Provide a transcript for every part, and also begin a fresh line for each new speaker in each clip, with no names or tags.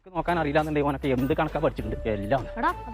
കണക്ക് നോക്കാൻ അറിയില്ലാന്നുണ്ടെങ്കിൽ ഓനൊക്കെ എന്ത് കണക്കാ പഠിച്ചിട്ടുണ്ട് എല്ലാം.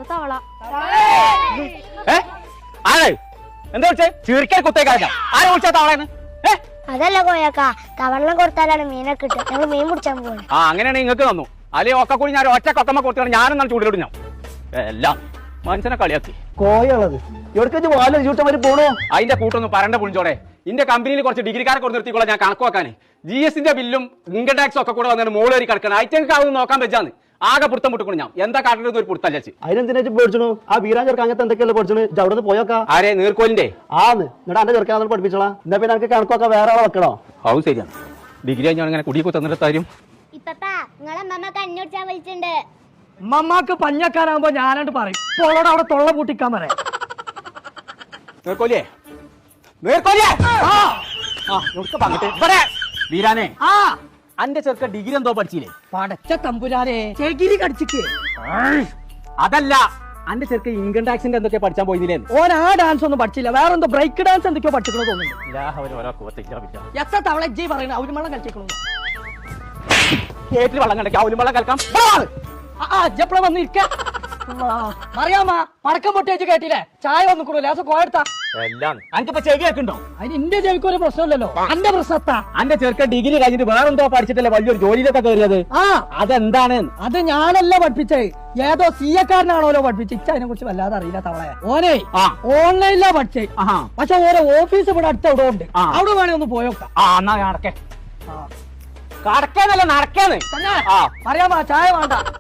ആരെ എന്താ വിളിച്ചേ? ചീർക്കാൻ കുത്തേക്കാരില്ല. ആരെ വിളിച്ചാ തവളയെന്ന്?
അതല്ല കോയക്ക, തവള കൊടുത്താലാണ് മീനൊക്കെ കിട്ടുക. ഞങ്ങൾ മീൻ പിടിച്ചാൻ പോകണം.
ആ അങ്ങനെയാണെങ്കിൽ നിങ്ങൾക്ക് തന്നു. അല്ലെങ്കിൽ ഒക്കെ കൂടി ഞാൻ ഒറ്റ കൊത്തമ്മ കൊടുത്താണ് ഞാനെന്നാണ് ചൂടിലോട്ട് ഞാൻ എല്ലാം മനുഷ്യനെ കളിയാക്കി.
കോയുള്ളത് എവിടേക്ക് വാല് ചൂട്ടമാര് പോണോ?
അതിന്റെ കൂട്ടൊന്നും പറണ്ട പുളിച്ചോടെ. ഇന്റെ കമ്പനിയിൽ കുറച്ച് ഡിഗ്രിക്കാരെ കൊണ്ട് നിർത്തിക്കോളാം ഞാൻ കണക്ക് വെക്കാൻ. GST ബില്ലും ഇൻകം ടാക്സും ഒക്കെ കൂടെ വന്നിട്ട് മോളേറി കിടക്കണം. അയച്ചെങ്കിൽ അതൊന്നും നോക്കാൻ വെച്ചാന്ന് ആകെ പുറത്തം പൊട്ടിക്കണം. ഞാൻ എന്താ കാട്ടുന്നത്? ഒരു പുറത്തല്ല ചേച്ചി.
അതിനെന്തിനാ പേടിച്ചു? ആ വീരാൻ ചെറുക്ക അങ്ങനത്തെ എന്തൊക്കെയല്ലേ പഠിച്ചു? അവിടെ നിന്ന് പോയോക്കാ.
ആരെ? നീർക്കോലിന്റെ
ആന്ന് എന്നിട്ട് എന്റെ ചെറുക്കാൻ പഠിപ്പിച്ചോളാം. എന്നാ പിന്നെ എനിക്ക് കണക്കൊക്കെ വേറെ ആളെ വെക്കണോ?
അത് ശരിയാണ്. ഡിഗ്രി കഴിഞ്ഞാൽ ഇങ്ങനെ കുടിയൊക്കെ തന്നിട്ട് കാര്യം.
ഇപ്പപ്പാ നിങ്ങളെ അമ്മമ്മ കഞ്ഞി കുടിച്ചാൻ വിളിച്ചിട്ടുണ്ട്.
ഉമ്മമാക്ക് പഞ്ഞക്കാരാകുമ്പോ ഞാനായിട്ട് പറയും. പോളോട് അവിടെ തൊള്ള പൂട്ടിക്കാൻ പറയാം.
നീർക്കോലിയേ, നീർക്കോലിയേ, ഇവിടെ വീരാനെ,
ആ
അന്റെ ചെറുക്ക ഡിഗ്രി എന്തോ പഠിച്ചില്ലേ?
പടച്ച തമ്പുരാനെ ചെകിരി കടിച്ചിക്ക്.
അതല്ല, അന്റെ ചെറുക്ക ഇൻകം ടാക്സിന്റെ എന്തൊക്കെ പഠിച്ചാൻ പോയില്ലേ?
ഓൻ ആ ഡാൻസ് ഒന്നും പഠിച്ചില്ല. വേറെ എന്തോ ബ്രേക്ക് ഡാൻസ് എന്തൊക്കെയോ പഠിച്ചിക്കണോ തോന്നുന്നു. എത്ര തവള ജി പറയുന്നത് അവരുമള്ളം കളിച്ചേക്കണു.
കേട്ടിൽ വെള്ളം കണ്ടേക്കാം, അവലും വെള്ളം കളിക്കാം.
എപ്പോഴാ വന്നിരിക്ക അറിയാമ പടക്കം പൊട്ടിച്ച് കേട്ടില്ലേ? ചായ വന്നിക്കണു ലേസം കോയെടുത്താ
എല്ലാം അനക്കിപ്പോ ചെവി കേൾക്കുണ്ടോ?
അതിന് എന്റെ ചെവിക്ക് ഒരു പ്രശ്നമില്ലല്ലോ. അന്റെ പ്രശ്നത്താ
അന്റെ ചെറുക്ക ഡിഗ്രി കഴിഞ്ഞിട്ട് വേറെന്തോ പഠിച്ചിട്ടല്ലേ വലിയൊരു ജോലിയിലൊക്കെ കയറിയത്?
ആ
അതെന്താണ്?
അത് ഞാനല്ല പഠിപ്പിച്ചേ, ഏതോ സിയക്കാരനാണോലോ പഠിപ്പിച്ച്. അതിനെ കുറിച്ച് വല്ലാതെ അറിയില്ല തവളയെ. ഓനെ ഓൺലൈനിലാ പഠിച്ചേ. പക്ഷെ ഓരോ ഓഫീസ് ഇവിടെ അടുത്ത് അവിടെ ഉണ്ട്. അവിടെ വേണേ ഒന്ന് പോയോക്കാം.
എന്നാ നടക്കേ, കടക്കേന്നല്ല നടക്കേന്ന്.
അറിയാമോ? ചായ വേണ്ട.